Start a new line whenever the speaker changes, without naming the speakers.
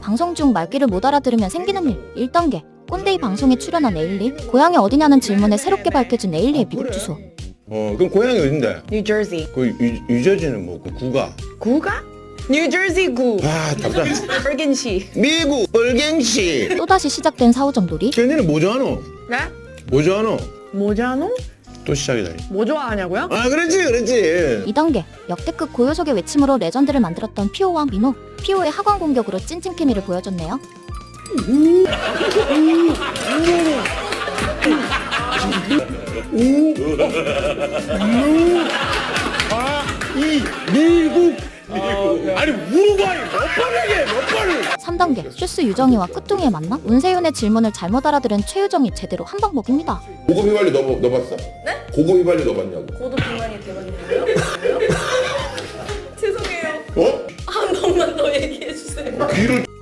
방송 중 말귀를 못 알아들으면 생기는 일. 1단계. 꼰대이 방송에 출연한 에일리. 고향이 어디냐는 질문에 새롭게 밝혀진 에일리의 미국 주소.
그럼 고향이 어딘데?
뉴저지.
그 유저지는 뭐 그 구가?
구가? 뉴저지 구.
아 답답.
벌겐시.
미국 벌갱시.
또다시 시작된 사후정돌이.
쟤네는 뭐 좋아하노?
네?
뭐 좋아하노?
모자노?
또 시작이다.
뭐 좋아하냐고요?
아 그렇지.
2단계. 역대급 고요석의 외침으로 레전드를 만들었던 피오와 민호. 피오의 하관 공격으로 찐찐 케미를 보여줬네요.
미국. 아니 우루과이 몇 번이게 몇 번을.
3단계. 슈스 유정이와 끄뚱이의 만남. 운세윤의 질문을 잘못 알아들은 최유정이 제대로 한방 먹입니다.
고급 휘발유 넣어봤어? 네? 고급 휘발유 넣어봤냐고?
고도 비만이 대박인데요? 죄송해요.
어?
한 번만 더 얘기해 주세요.
귀를